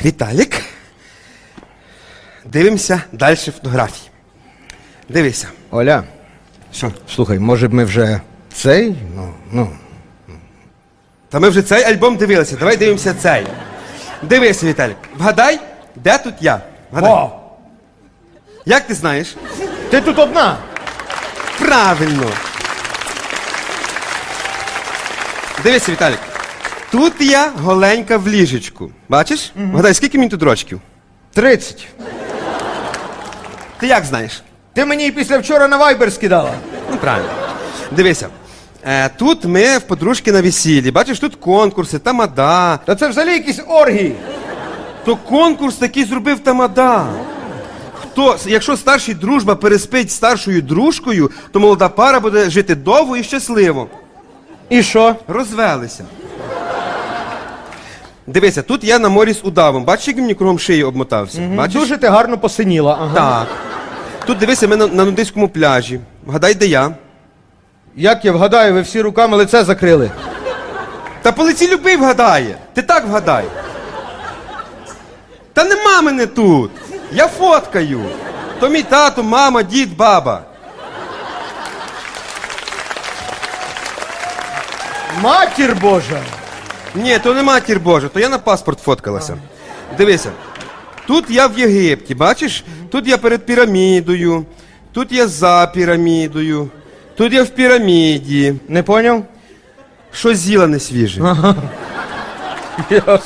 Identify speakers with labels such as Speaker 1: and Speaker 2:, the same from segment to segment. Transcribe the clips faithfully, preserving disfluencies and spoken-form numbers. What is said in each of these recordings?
Speaker 1: Віталік. Дивимося далі фотографії. Дивися.
Speaker 2: Оля,
Speaker 1: Що?
Speaker 2: слухай, може б ми вже цей? Ну, ну.
Speaker 1: Та ми вже цей альбом дивилися, давай дивимося цей. Дивися, Віталік. Вгадай, де тут я? Вгадай.
Speaker 2: О,
Speaker 1: Як ти знаєш?
Speaker 2: ти тут одна.
Speaker 1: Правильно. Дивися, Віталік. Тут я голенька в ліжечку. Бачиш? Угу. Вгадай, скільки мені тут рочків?
Speaker 2: Тридцять.
Speaker 1: Ти як знаєш?
Speaker 2: Ти мені і після вчора на вайбер скидала.
Speaker 1: Ну, правильно. Дивися. Е, тут ми в подружки на весіллі. Бачиш, тут конкурси, тамада.
Speaker 2: Та це взагалі якісь оргії.
Speaker 1: То конкурс такий зробив тамада. Хто, якщо старший дружба переспить з старшою дружкою, то молода пара буде жити довго і щасливо.
Speaker 2: І що?
Speaker 1: Розвелися. Дивися, тут я на морі з удавом. Бачиш, як він мені кругом шиї обмотався?
Speaker 2: Угу.
Speaker 1: Бачиш?
Speaker 2: Дуже ти гарно посиніла. Ага.
Speaker 1: Так. Тут дивися, ми на, на нудиському пляжі. Вгадай, де я?
Speaker 2: Як я вгадаю, ви всі руками лице закрили.
Speaker 1: Та по лиці любий вгадає. Ти так вгадай. Та нема мене тут. Я фоткаю. То мій тато, мама, дід, баба.
Speaker 2: Матір Божа!
Speaker 1: Ні, то не матір Божа, то я на паспорт фоткалася. Дивися. Тут я в Єгипті, бачиш? Тут я перед пірамідою, тут я за пірамідою, тут я в піраміді.
Speaker 2: Не поняв?
Speaker 1: Що з'їла не свіже.
Speaker 2: Ясно.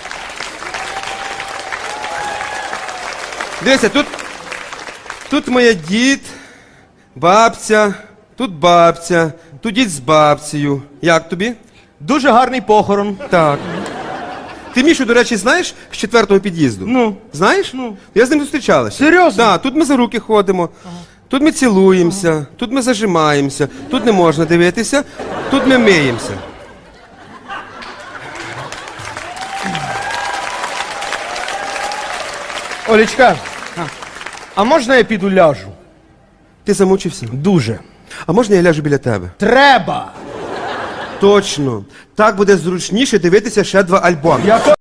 Speaker 1: Дивися, тут, тут моя дід, бабця, тут бабця, тут дід з бабцею. Як тобі?
Speaker 2: Дуже гарний похорон.
Speaker 1: Так. Ти Мішу, до речі, знаєш з четвертого під'їзду?
Speaker 2: Ну.
Speaker 1: Знаєш? Ну. Я з ним зустрічалася.
Speaker 2: Серйозно?
Speaker 1: Так, тут ми за руки ходимо, ага. Тут ми цілуємося, ага. Тут ми зажимаємося, тут не можна дивитися, тут ми миємося.
Speaker 2: Олечка, а, а можна я піду ляжу?
Speaker 1: Ти замучився?
Speaker 2: Дуже.
Speaker 1: А можна я ляжу біля тебе?
Speaker 2: Треба!
Speaker 1: Точно. Так буде зручніше дивитися ще два альбоми.
Speaker 2: Я